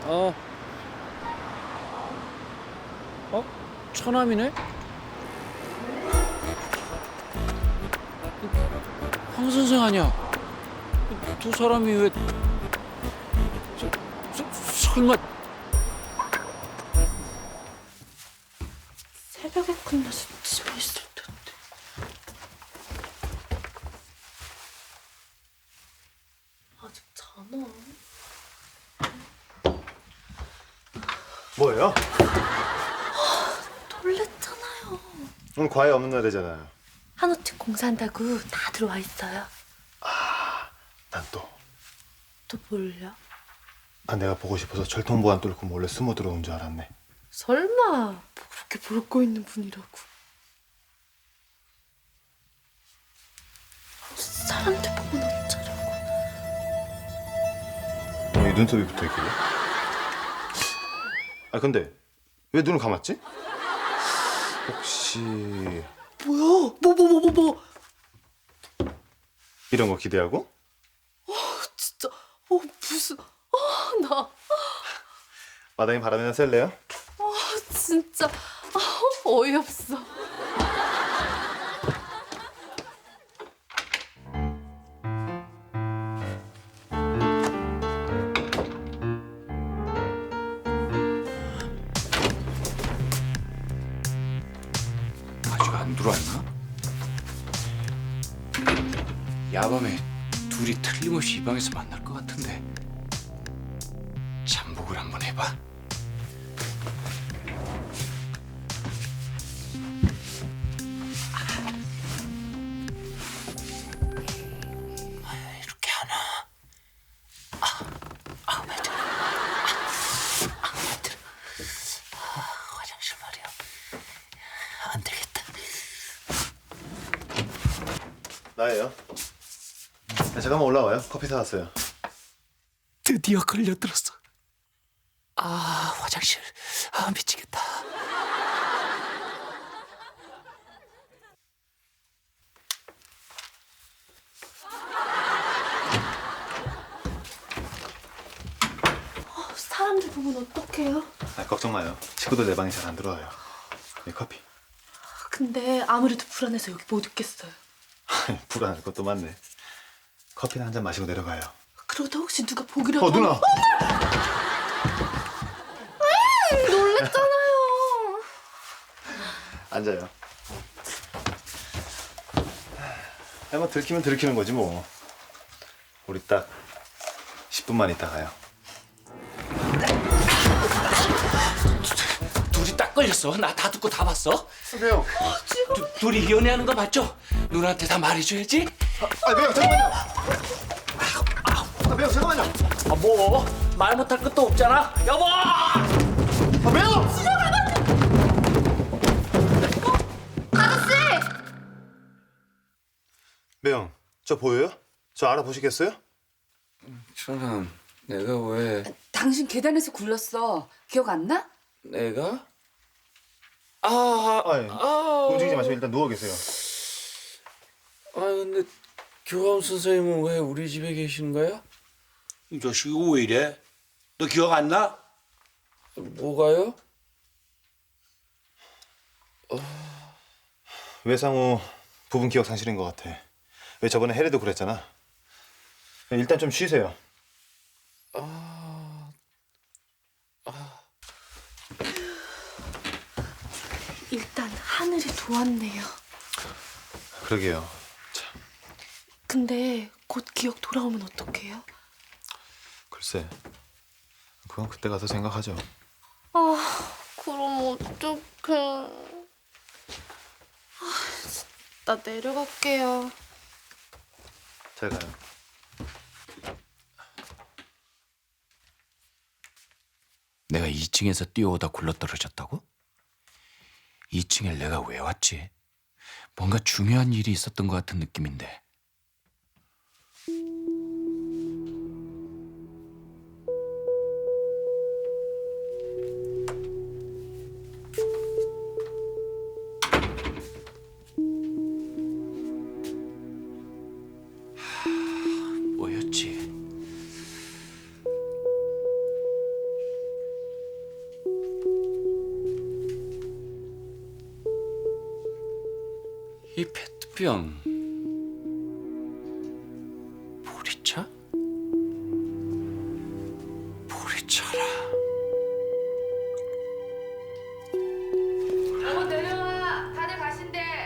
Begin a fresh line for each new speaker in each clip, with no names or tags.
어, 처남이네? 황 선생 아니야? 두 사람이 왜... 설마...
새벽에 끝나서 집에 있을 텐데. 아직 자나?
뭐예요?
놀랬잖아요.
오늘 과외 없는 날이잖아요.
한우팀 공사한다고 다 들어와 있어요.
난 또.
또 뭘요?
내가 보고 싶어서 철통보안 뚫고 몰래 숨어 들어온 줄 알았네.
설마 뭐 그렇게 볼 거 있는 분이라고. 사람들 보면 어쩌려고.
이 눈썹이 붙어있길래? 근데 왜 눈을 감았지? 혹시
뭐야? 뭐?
이런 거 기대하고?
진짜 무슨 나
마담이 바람이나 쐴래요?
진짜 어이없어.
아직 안 들어왔나? 야밤에 둘이 틀림없이 이 방에서 만날 것 같은데 잠복을 한번 해봐. 이렇게 하나. 화장실 말이야. 안 되겠다.
나예요. 잠깐만 올라와요. 커피 사왔어요.
드디어 걸려들었어. 화장실. 미치겠다.
사람들 보면 어떡해요?
걱정 마요. 친구들 내 방에 잘 안 들어와요. 커피.
근데 아무래도 불안해서 여기 못 있겠어요.
불안할 것도 많네. 커피나 한 잔 마시고 내려가요.
그러다 혹시 누가 보기라도.
누나!
놀랬잖아요.
앉아요. 뭐 들키면 들키는 거지 뭐. 우리 딱 10분만 있다 가요.
둘이 딱 걸렸어. 나 다 듣고 다 봤어.
매형!
둘이 연애하는 거 맞죠? 누나한테 다 말해줘야지.
매형 잠깐만요! 매형 잠깐만요!
뭐? 말 못할 것도 없잖아. 여보!
매형! 매형, 저 보여요? 저 알아보시겠어요?
천암, 내가 왜...
당신 계단에서 굴렀어. 기억 안 나?
내가?
움직이지 마시고 일단 누워 계세요.
근데 교감 선생님은 왜 우리 집에 계신 거야?
이 자식이 왜 이래? 너 기억 안 나?
뭐가요?
외상후 부분 기억 상실인 것 같아. 왜 저번에 해리도 그랬잖아. 일단 좀 쉬세요.
일단 하늘이 도왔네요.
그러게요.
근데 곧 기억 돌아오면 어떡해요?
글쎄, 그건 그때 가서 생각하죠.
그럼 어떡해. 나 내려갈게요.
잘 가요.
내가 2층에서 뛰어오다 굴러떨어졌다고? 2층에 내가 왜 왔지? 뭔가 중요한 일이 있었던 것 같은 느낌인데. 뭐였지? 이 페트병 보리차? 보리차라.
어 내려와. 다들 가신대.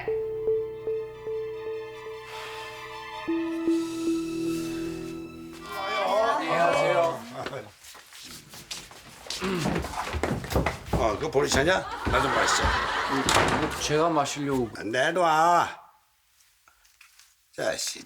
그 보리차냐? 나 좀 마시자.
제가 마시려고.
내놔. 자식.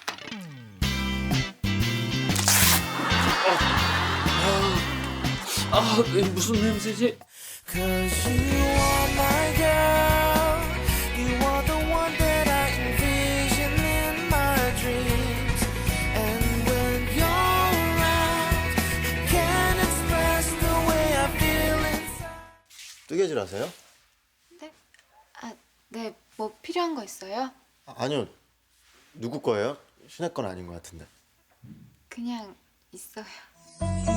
아, 이게 무슨 냄새지?
Cause you are my girl. You are the one that I envision in my dreams. And when you're around, I can't express the way I feel inside.
뜨개질 하세요?
네? 아, 네. 뭐 필요한 거 있어요?
아니요. 누구 거예요? 신혜 건 아닌 것 같은데.
그냥 있어요.